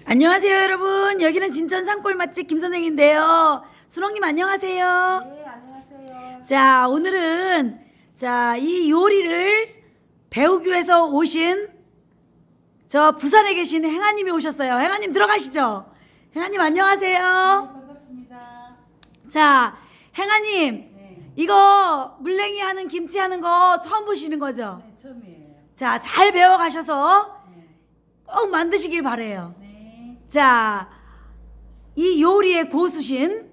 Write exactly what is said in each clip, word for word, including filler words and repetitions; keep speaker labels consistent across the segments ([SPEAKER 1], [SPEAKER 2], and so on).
[SPEAKER 1] 안녕하세요 여러분. 여기는 진천 산골 맛집 김선생인데요. 순홍님 안녕하세요.
[SPEAKER 2] 네, 안녕하세요.
[SPEAKER 1] 자, 오늘은 자, 이 요리를 배우기 위해서 오신 저 부산에 계신 행아님이 오셨어요. 행아님 들어가시죠. 행아님 안녕하세요.
[SPEAKER 2] 반갑습니다.
[SPEAKER 1] 자, 행아님
[SPEAKER 2] 네,
[SPEAKER 1] 이거 물냉이 하는 김치 하는 거 처음 보시는 거죠?
[SPEAKER 2] 네 처음이에요.
[SPEAKER 1] 자, 잘 배워 가셔서
[SPEAKER 2] 네,
[SPEAKER 1] 꼭 만드시길 바래요.
[SPEAKER 2] 네,
[SPEAKER 1] 자, 이 요리의 고수신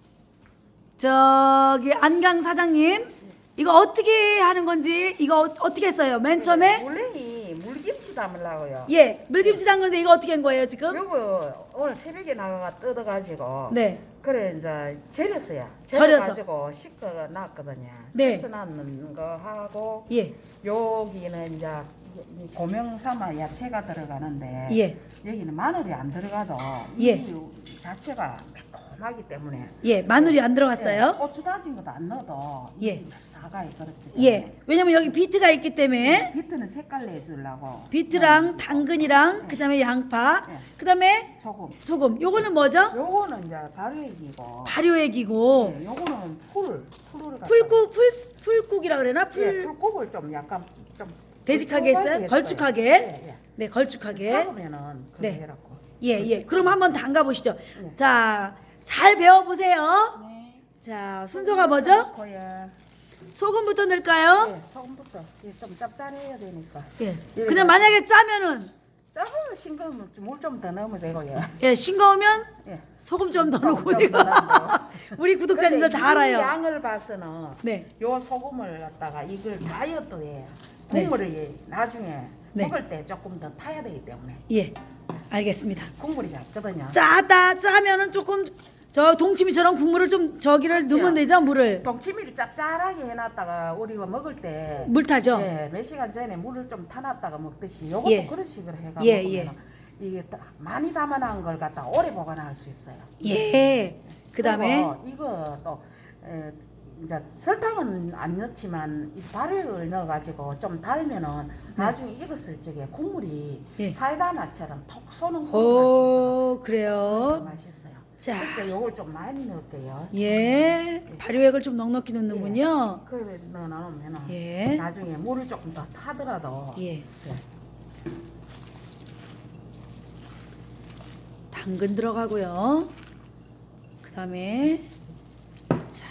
[SPEAKER 1] 저기 안강 사장님, 이거 어떻게 하는 건지 이거 어, 어떻게 했어요? 맨 처음에
[SPEAKER 2] 물냉이 물김치 담으려고요.
[SPEAKER 1] 예 물김치 담그는데 이거 어떻게 한 거예요 지금?
[SPEAKER 2] 요거 오늘 새벽에 나가가 뜯어가지고
[SPEAKER 1] 네,
[SPEAKER 2] 그래 이제 절였어요.
[SPEAKER 1] 절여서.
[SPEAKER 2] 절여가지고 씻어 놨거든요.
[SPEAKER 1] 네.
[SPEAKER 2] 씻어 놨는 거 하고
[SPEAKER 1] 예,
[SPEAKER 2] 여기는 이제 이 고명 삼아 야채가 들어가는데
[SPEAKER 1] 예,
[SPEAKER 2] 여기는 마늘이 안 들어가도
[SPEAKER 1] 예.
[SPEAKER 2] 이 자체가 매콤하기 때문에
[SPEAKER 1] 예, 마늘이 안
[SPEAKER 2] 예,
[SPEAKER 1] 들어갔어요.
[SPEAKER 2] 고추 다진 것도 안 넣어도
[SPEAKER 1] 예.
[SPEAKER 2] 사가이 그렇게.
[SPEAKER 1] 예, 왜냐면 여기 비트가 있기 때문에
[SPEAKER 2] 비트는 색깔 내주려고.
[SPEAKER 1] 비트랑 당근이랑 그다음에 양파,
[SPEAKER 2] 예.
[SPEAKER 1] 그다음에
[SPEAKER 2] 소금.
[SPEAKER 1] 소금. 요거는 뭐죠?
[SPEAKER 2] 요거는 이제 발효액이고.
[SPEAKER 1] 발효액이고
[SPEAKER 2] 예, 요거는 풀. 풀을 갖다.
[SPEAKER 1] 풀국 풀 풀국이라 그러나
[SPEAKER 2] 예,
[SPEAKER 1] 풀
[SPEAKER 2] 풀국을 좀 약간 좀
[SPEAKER 1] 되직하게 했어요?
[SPEAKER 2] 했어요.
[SPEAKER 1] 걸쭉하게?
[SPEAKER 2] 예, 예.
[SPEAKER 1] 네, 걸쭉하게.
[SPEAKER 2] 삭으면은 그거
[SPEAKER 1] 네.
[SPEAKER 2] 해갖고.
[SPEAKER 1] 예, 예. 그럼 한번 담가 보시죠.
[SPEAKER 2] 네.
[SPEAKER 1] 자, 잘 배워 보세요.
[SPEAKER 2] 네.
[SPEAKER 1] 자, 순서가 뭐죠?
[SPEAKER 2] 거야.
[SPEAKER 1] 소금부터 넣을까요?
[SPEAKER 2] 예, 소금부터 예, 좀 짭짤해야 되니까.
[SPEAKER 1] 예.
[SPEAKER 2] 예.
[SPEAKER 1] 그냥 만약에 짜면은
[SPEAKER 2] 조금 싱거우면 물 좀 더 넣으면 되고요.
[SPEAKER 1] 예, 싱거우면
[SPEAKER 2] 예.
[SPEAKER 1] 소금 좀 더
[SPEAKER 2] 소금
[SPEAKER 1] 넣고
[SPEAKER 2] 좀
[SPEAKER 1] 이거.
[SPEAKER 2] 더 넣어요.
[SPEAKER 1] 우리 구독자님들
[SPEAKER 2] 근데
[SPEAKER 1] 다
[SPEAKER 2] 이
[SPEAKER 1] 알아요.
[SPEAKER 2] 양을 봐서는
[SPEAKER 1] 네.
[SPEAKER 2] 요 소금을 갖다가 이걸 다이어트에
[SPEAKER 1] 네.
[SPEAKER 2] 국물을 나중에
[SPEAKER 1] 네.
[SPEAKER 2] 먹을 때 조금 더 타야 되기 때문에
[SPEAKER 1] 예. 알겠습니다.
[SPEAKER 2] 국물이 작거든요.
[SPEAKER 1] 짜다 짜면은 조금 저 동치미처럼 국물을 좀 저기를 넣으면 되죠, 물을.
[SPEAKER 2] 동치미를 짭짤하게 해놨다가 우리가 먹을 때
[SPEAKER 1] 물 타죠?
[SPEAKER 2] 예, 몇 시간 전에 물을 좀 타놨다가 먹듯이 요것도
[SPEAKER 1] 예.
[SPEAKER 2] 그런 식으로 해가
[SPEAKER 1] 예,
[SPEAKER 2] 먹으면
[SPEAKER 1] 예.
[SPEAKER 2] 이게 딱 많이 담아놓은 걸 갖다 오래 보관할 수 있어요.
[SPEAKER 1] 예. 그다음에
[SPEAKER 2] 그리고 이거 또 에, 이제 설탕은 안 넣지만 이 발효액을 넣어가지고 좀 달면은 나중에 익었을 적에 국물이
[SPEAKER 1] 예.
[SPEAKER 2] 사이다 맛처럼 톡 쏘는 국물
[SPEAKER 1] 오,
[SPEAKER 2] 맛이
[SPEAKER 1] 그래요.
[SPEAKER 2] 있어서 맛있어요.
[SPEAKER 1] 자.
[SPEAKER 2] 그러니까 요걸 좀 많이 넣을게요.
[SPEAKER 1] 예. 발효액을 좀 넉넉히 넣는군요.
[SPEAKER 2] 그래 넣어놓으면
[SPEAKER 1] 예.
[SPEAKER 2] 나중에 물을 조금 더 타더라도
[SPEAKER 1] 예.
[SPEAKER 2] 예.
[SPEAKER 1] 당근 들어가고요. 그다음에 자.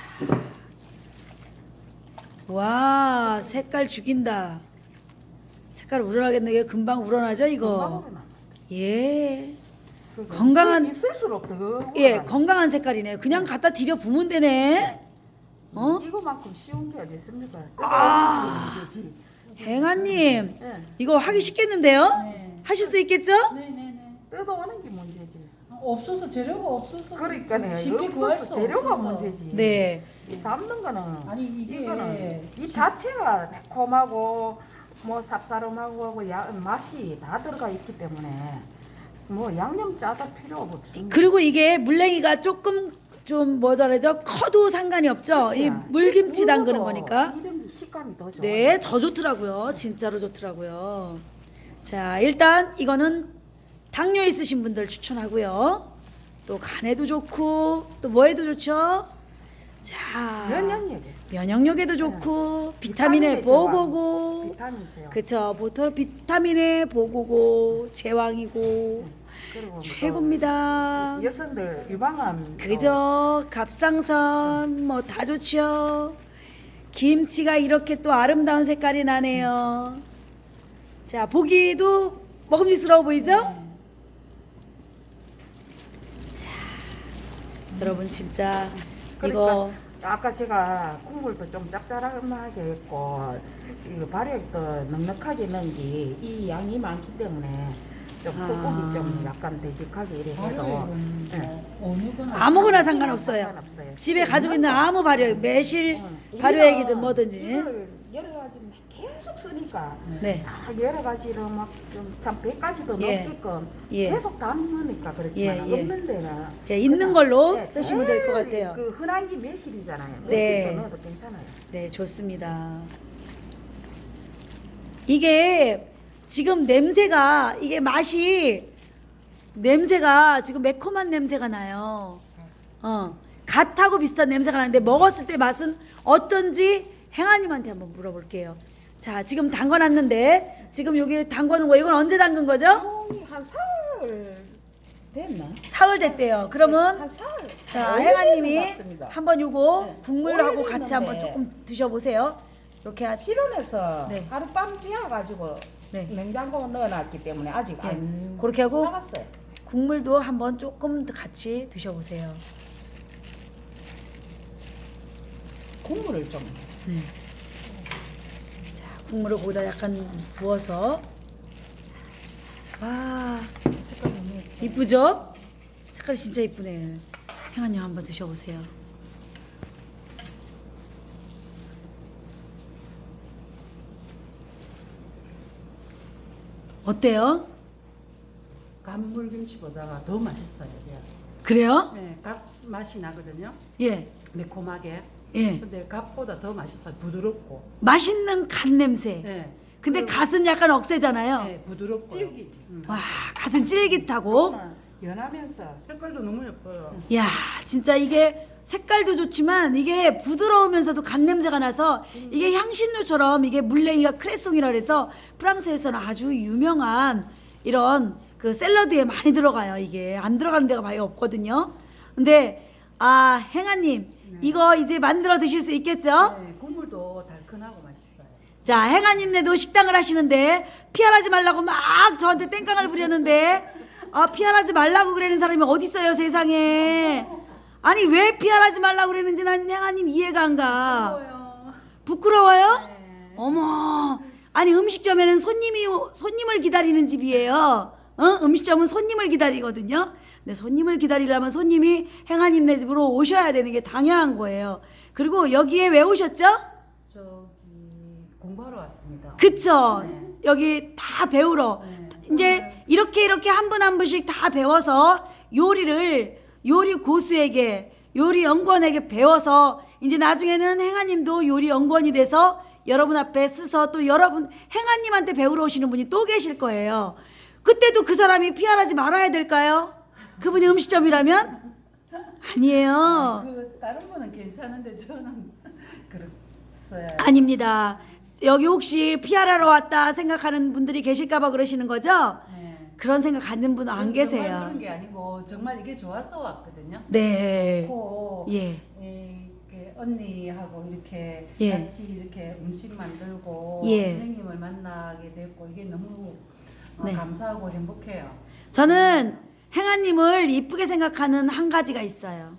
[SPEAKER 1] 와, 색깔 죽인다. 색깔 우러나겠네. 이게 금방 우러나죠, 이거.
[SPEAKER 2] 금방으로 나.
[SPEAKER 1] 예.
[SPEAKER 2] 그거
[SPEAKER 1] 건강한-
[SPEAKER 2] 있을- 있을수록 더
[SPEAKER 1] 예,
[SPEAKER 2] 우러나요.
[SPEAKER 1] 건강한 색깔이네. 그냥 갖다 들여 부으면 되네. 어?
[SPEAKER 2] 이거만큼 쉬운 게 어디 있습니까?
[SPEAKER 1] 아.
[SPEAKER 2] 그게 문제지.
[SPEAKER 1] 행아님,
[SPEAKER 2] 예.
[SPEAKER 1] 이거 하기 쉽겠는데요?
[SPEAKER 3] 네.
[SPEAKER 1] 하실 수 있겠죠?
[SPEAKER 3] 네네네.
[SPEAKER 2] 뜯어오는 게 문제지.
[SPEAKER 3] 없어서 재료가 없어서
[SPEAKER 2] 그러니까요.
[SPEAKER 3] 쉽게 구할
[SPEAKER 2] 없어서
[SPEAKER 3] 수
[SPEAKER 2] 재료가
[SPEAKER 3] 없어서.
[SPEAKER 2] 문제지.
[SPEAKER 1] 네.
[SPEAKER 2] 이 담는 거는
[SPEAKER 3] 아니, 이게
[SPEAKER 2] 이거는 이 자체가 매콤하고 뭐 쌉싸름하고 하고 야, 맛이 다 들어가 있기 때문에 뭐 양념 짜다 필요 없습니다.
[SPEAKER 1] 그리고 이게 물냉이가 조금 좀 뭐더라죠? 커도 상관이 없죠. 이 물김치 담그는 거니까.
[SPEAKER 2] 이런 식감이 더 좋아.
[SPEAKER 1] 네, 저 좋더라고요. 진짜로 좋더라고요. 자, 일단 이거는 당뇨 있으신 분들 추천하고요. 또 간에도 좋고 또 뭐에도 좋죠? 자,
[SPEAKER 2] 면역력이
[SPEAKER 1] 면역력에도 좋고 비타민의
[SPEAKER 2] 비타민의 제왕.
[SPEAKER 1] 보고고.
[SPEAKER 2] 비타민 제요.
[SPEAKER 1] 그쵸, 보통 비타민의 보고고 제왕이고
[SPEAKER 2] 그리고 뭐
[SPEAKER 1] 최고입니다.
[SPEAKER 2] 또 여성들 유방암
[SPEAKER 1] 그죠? 갑상선 뭐 다 좋죠. 김치가 이렇게 또 아름다운 색깔이 나네요. 자, 보기도 먹음직스러워 보이죠?
[SPEAKER 3] 네.
[SPEAKER 1] 여러분 진짜
[SPEAKER 2] 그러니까
[SPEAKER 1] 이거
[SPEAKER 2] 아까 제가 국물도 좀 짭짤하게 했고 이거 발효액도 넉넉하게 넣은 게 이 양이 많기 때문에 좀
[SPEAKER 1] 아.
[SPEAKER 2] 국국이 좀 약간 되직하게 이래 해도
[SPEAKER 3] 발효액은
[SPEAKER 2] 예.
[SPEAKER 3] 뭐 어느 거나
[SPEAKER 1] 아무거나 상관없어요.
[SPEAKER 2] 상관없어요.
[SPEAKER 1] 집에 가지고 있는 아무 발효, 매실
[SPEAKER 2] 응.
[SPEAKER 1] 발효액이든
[SPEAKER 2] 우리가
[SPEAKER 1] 뭐든지.
[SPEAKER 2] 이걸 여러 가지 계속 쓰니까
[SPEAKER 1] 네.
[SPEAKER 2] 다 여러 가지로 막좀참 백 가지도
[SPEAKER 1] 예.
[SPEAKER 2] 넘게끔
[SPEAKER 1] 예.
[SPEAKER 2] 계속 담으니까 그렇지만
[SPEAKER 1] 예, 예.
[SPEAKER 2] 없는 데는
[SPEAKER 1] 예, 있는
[SPEAKER 2] 그냥,
[SPEAKER 1] 걸로
[SPEAKER 2] 예,
[SPEAKER 1] 쓰시면 될 것
[SPEAKER 2] 제일
[SPEAKER 1] 같아요.
[SPEAKER 2] 그 흔한 게 매실이잖아요.
[SPEAKER 1] 네.
[SPEAKER 2] 매실도 넣어도 괜찮아요.
[SPEAKER 1] 네, 좋습니다. 이게 지금 냄새가 이게 맛이 냄새가 지금 매콤한 냄새가 나요. 어, 갓하고 비슷한 냄새가 나는데 먹었을 때 맛은 어떤지 행아님한테 한번 물어볼게요. 자, 지금 담궈놨는데 지금 여기 담궈놓은 거 이건 언제 담근 거죠?
[SPEAKER 2] 어, 한 사흘 됐나?
[SPEAKER 1] 사흘 됐대요. 그러면
[SPEAKER 2] 한 사흘.
[SPEAKER 1] 자,
[SPEAKER 2] 오일
[SPEAKER 1] 행아님이
[SPEAKER 2] 되는 것 같습니다.
[SPEAKER 1] 한번 요거
[SPEAKER 2] 네.
[SPEAKER 1] 국물하고
[SPEAKER 2] 오일
[SPEAKER 1] 같이 한번
[SPEAKER 2] 됐는데.
[SPEAKER 1] 조금 드셔보세요. 이렇게 하
[SPEAKER 2] 실온에서
[SPEAKER 1] 네.
[SPEAKER 2] 하룻밤 지어가지고
[SPEAKER 1] 네.
[SPEAKER 2] 냉장고에 넣어놨기 때문에 아직
[SPEAKER 1] 네.
[SPEAKER 2] 안
[SPEAKER 1] 그렇게 하고
[SPEAKER 2] 사갔어요.
[SPEAKER 1] 국물도 한번 조금 더 같이 드셔보세요.
[SPEAKER 2] 국물을 좀
[SPEAKER 1] 네. 자, 국물을 거기다 약간 부어서 와,
[SPEAKER 2] 색깔 너무 예뻐.
[SPEAKER 1] 이쁘죠? 색깔이 진짜 이쁘네. 행아님 한번 드셔보세요. 어때요?
[SPEAKER 3] 간물김치보다가 더 맛있어요. 이게.
[SPEAKER 1] 그래요?
[SPEAKER 3] 네, 갓 맛이 나거든요.
[SPEAKER 1] 예,
[SPEAKER 3] 매콤하게.
[SPEAKER 1] 예.
[SPEAKER 3] 근데 갓보다 더 맛있어요. 부드럽고.
[SPEAKER 1] 맛있는 갓 냄새.
[SPEAKER 3] 네.
[SPEAKER 1] 근데
[SPEAKER 3] 그리고-
[SPEAKER 1] 갓은 약간 억세잖아요.
[SPEAKER 3] 네, 부드럽고.
[SPEAKER 2] 질기지.
[SPEAKER 3] 음.
[SPEAKER 1] 와, 갓은 쫄깃하고.
[SPEAKER 2] 연하면서
[SPEAKER 3] 색깔도 너무 예뻐요.
[SPEAKER 1] 야, 진짜 이게 색깔도 좋지만 이게 부드러우면서도 갓 냄새가 나서 이게 향신료처럼 이게 물레이가 크레송이라 그래서 프랑스에서는 아주 유명한 이런 그 샐러드에 많이 들어가요. 이게 안 들어가는 데가 많이 없거든요. 근데 아, 행아님 이거 이제 만들어 드실 수 있겠죠?
[SPEAKER 3] 네, 국물도 달큰하고 맛있어요.
[SPEAKER 1] 자, 행아님네도 식당을 하시는데 피할하지 말라고 막 저한테 땡깡을 부렸는데 아, 피할하지 말라고 그러는 사람이 어디 있어요, 세상에. 아니, 왜 피할하지 말라고 그러는지 난 행아님 이해가 안 가.
[SPEAKER 3] 예뻐요.
[SPEAKER 1] 부끄러워요?
[SPEAKER 3] 네.
[SPEAKER 1] 어머. 아니, 음식점에는 손님이 손님을 기다리는 집이에요. 어? 음식점은 손님을 기다리거든요. 근데 손님을 기다리려면 손님이 행아님네 집으로 오셔야 되는 게 당연한 거예요. 그리고 여기에 왜 오셨죠?
[SPEAKER 3] 저기 공부하러 왔습니다.
[SPEAKER 1] 그쵸?
[SPEAKER 3] 네.
[SPEAKER 1] 여기 다 배우러.
[SPEAKER 3] 네.
[SPEAKER 1] 이제 이렇게 이렇게 한 분 한 분씩 다 배워서 요리를 요리 고수에게 요리 연구원에게 배워서 이제 나중에는 행아님도 요리 연구원이 돼서 여러분 앞에 서서 또 여러분 행아님한테 배우러 오시는 분이 또 계실 거예요. 그때도 그 사람이 피할하지 말아야 될까요? 그분이 음식점이라면? 아니에요.
[SPEAKER 3] 그 다른 분은 괜찮은데 저는 그랬어요.
[SPEAKER 1] 아닙니다. 여기 혹시 피할하러 왔다 생각하는 분들이 계실까봐 그러시는 거죠?
[SPEAKER 3] 네.
[SPEAKER 1] 그런 생각 갖는 분은 안
[SPEAKER 3] 정말
[SPEAKER 1] 계세요.
[SPEAKER 3] 그런 게 아니고 정말 이게 좋아서 왔거든요.
[SPEAKER 1] 네.
[SPEAKER 3] 고
[SPEAKER 1] 예.
[SPEAKER 3] 이렇게 언니하고 이렇게
[SPEAKER 1] 예.
[SPEAKER 3] 같이 이렇게 음식 만들고
[SPEAKER 1] 예.
[SPEAKER 3] 선생님을 만나게 됐고 이게 너무 어,
[SPEAKER 1] 네.
[SPEAKER 3] 감사하고 행복해요.
[SPEAKER 1] 저는 행아님을 이쁘게 생각하는 한 가지가 있어요.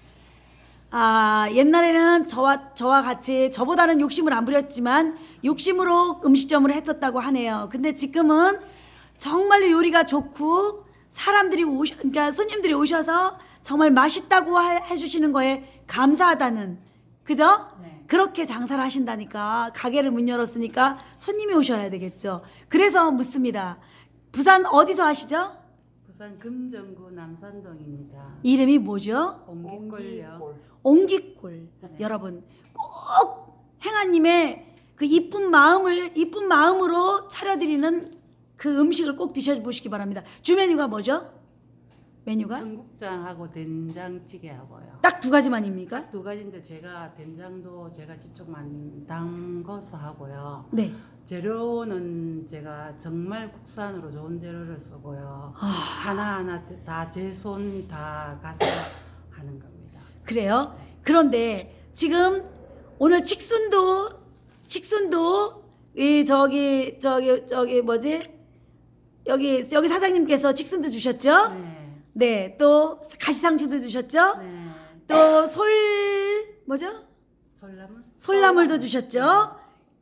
[SPEAKER 1] 아, 옛날에는 저와, 저와 같이 저보다는 욕심을 안 부렸지만 욕심으로 음식점을 했었다고 하네요. 근데 지금은 정말로 요리가 좋고 사람들이 오셔, 그러니까 손님들이 오셔서 정말 맛있다고 하- 해주시는 거에 감사하다는, 그죠?
[SPEAKER 3] 네.
[SPEAKER 1] 그렇게 장사를 하신다니까. 가게를 문 열었으니까 손님이 오셔야 되겠죠. 그래서 묻습니다. 부산 어디서 하시죠?
[SPEAKER 3] 부산 금정구 남산동입니다.
[SPEAKER 1] 이름이 뭐죠?
[SPEAKER 3] 옹기골요.
[SPEAKER 1] 옹기골. 여러분 꼭 행아님의 그 이쁜 마음을 이쁜 마음으로 차려드리는 그 음식을 꼭 드셔보시기 바랍니다. 주 메뉴가 뭐죠? 메뉴가
[SPEAKER 3] 청국장하고 된장찌개하고요.
[SPEAKER 1] 딱 두 가지만입니까?
[SPEAKER 3] 두 가지인데 제가 된장도 제가 직접 만 담궈서 하고요.
[SPEAKER 1] 네.
[SPEAKER 3] 재료는 제가 정말 국산으로 좋은 재료를 쓰고요.
[SPEAKER 1] 아.
[SPEAKER 3] 하나하나 다 제 손 다 가서 하는 겁니다.
[SPEAKER 1] 그래요. 그런데 지금 오늘 칙순도 칙순도 이 저기 저기 저기 뭐지? 여기 여기 사장님께서 칙순도 주셨죠?
[SPEAKER 3] 네.
[SPEAKER 1] 네. 또 가시상추도 주셨죠?
[SPEAKER 3] 네.
[SPEAKER 1] 또 솔 뭐죠?
[SPEAKER 3] 솔나물?
[SPEAKER 1] 솔나물도 주셨죠?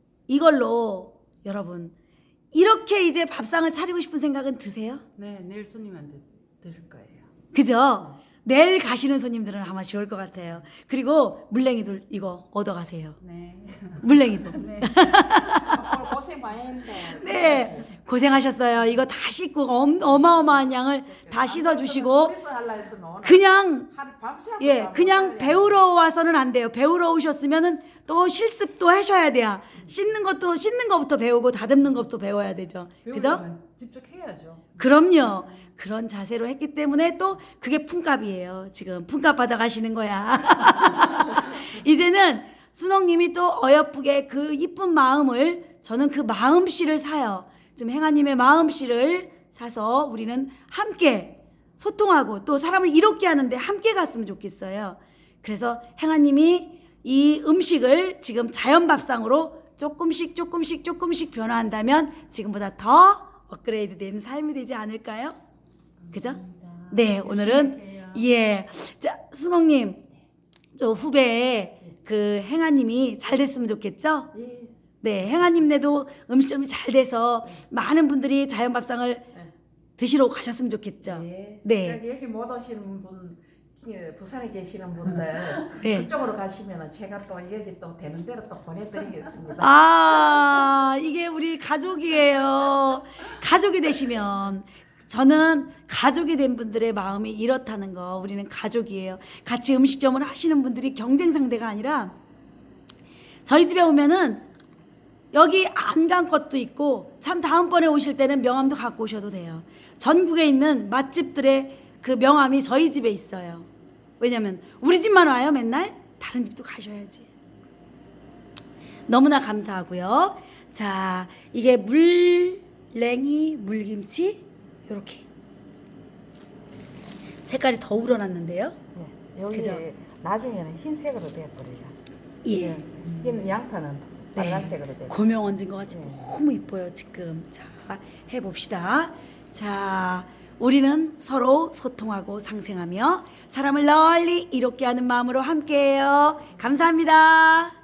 [SPEAKER 1] 이걸로 여러분 이렇게 이제 밥상을 차리고 싶은 생각은 드세요?
[SPEAKER 3] 네, 내일 손님한테 드릴 거예요.
[SPEAKER 1] 그죠? 내일 가시는 손님들은 아마 좋을 것 같아요. 그리고 물냉이도 이거 얻어가세요.
[SPEAKER 3] 네.
[SPEAKER 1] 물냉이도.
[SPEAKER 3] 네.
[SPEAKER 2] 오늘 고생 많이 했는데.
[SPEAKER 1] 네, 고생하셨어요. 이거 다 씻고 엄, 어마어마한 양을 다 씻어주시고
[SPEAKER 2] 그래서 할라 해서 오늘
[SPEAKER 1] 그냥
[SPEAKER 2] 하루 밤새
[SPEAKER 1] 예,
[SPEAKER 2] 하고
[SPEAKER 1] 그냥
[SPEAKER 2] 빨리
[SPEAKER 1] 배우러 와서는 안 돼요. 배우러 오셨으면은 또 실습도 하셔야 돼요. 씻는 것도 씻는 것부터 배우고 다듬는 것부터 배워야 되죠. 그죠?
[SPEAKER 3] 배우려면 직접 해야죠.
[SPEAKER 1] 그럼요. 그런 자세로 했기 때문에 또 그게 품값이에요. 지금 품값 받아 가시는 거야. 이제는 순옥님이 또 어여쁘게 그 이쁜 마음을 저는 그 마음씨를 사요. 지금 행아님의 마음씨를 사서 우리는 함께 소통하고 또 사람을 이롭게 하는데 함께 갔으면 좋겠어요. 그래서 행아님이 이 음식을 지금 자연밥상으로 조금씩 조금씩 조금씩 변화한다면 지금보다 더 업그레이드 되는 삶이 되지 않을까요? 그죠? 네, 오늘은 예, 자 순옥님, 저 후배에 그 행아님이 잘 됐으면 좋겠죠?
[SPEAKER 2] 예.
[SPEAKER 1] 네, 행아님네도 음식점이 잘 돼서 많은 분들이 자연밥상을 드시러 가셨으면 좋겠죠?
[SPEAKER 2] 예.
[SPEAKER 1] 네.
[SPEAKER 2] 여기, 여기 못 오시는 분, 예, 부산에 계시는 분들
[SPEAKER 1] 네.
[SPEAKER 2] 그쪽으로 가시면은 제가 또 여기 또 되는 대로 또 보내드리겠습니다.
[SPEAKER 1] 아, 이게 우리 가족이에요. 가족이 되시면 저는 가족이 된 분들의 마음이 이렇다는 거, 우리는 가족이에요. 같이 음식점을 하시는 분들이 경쟁 상대가 아니라 저희 집에 오면은 여기 안 간 것도 있고 참 다음번에 오실 때는 명함도 갖고 오셔도 돼요. 전국에 있는 맛집들의 그 명함이 저희 집에 있어요. 왜냐면 우리 집만 와요 맨날? 다른 집도 가셔야지. 너무나 감사하고요. 자, 이게 물냉이 물김치 요렇게 색깔이 더 우러났는데요.
[SPEAKER 2] 네. 여기
[SPEAKER 1] 그죠?
[SPEAKER 2] 나중에는 흰색으로 돼버려요.
[SPEAKER 1] 예.
[SPEAKER 2] 흰 양파는 빨간색으로 돼요.
[SPEAKER 1] 고명 얹은 것 같이
[SPEAKER 2] 네.
[SPEAKER 1] 너무 이뻐요 지금. 자, 해봅시다. 자, 우리는 서로 소통하고 상생하며 사람을 널리 이롭게 하는 마음으로 함께해요. 감사합니다.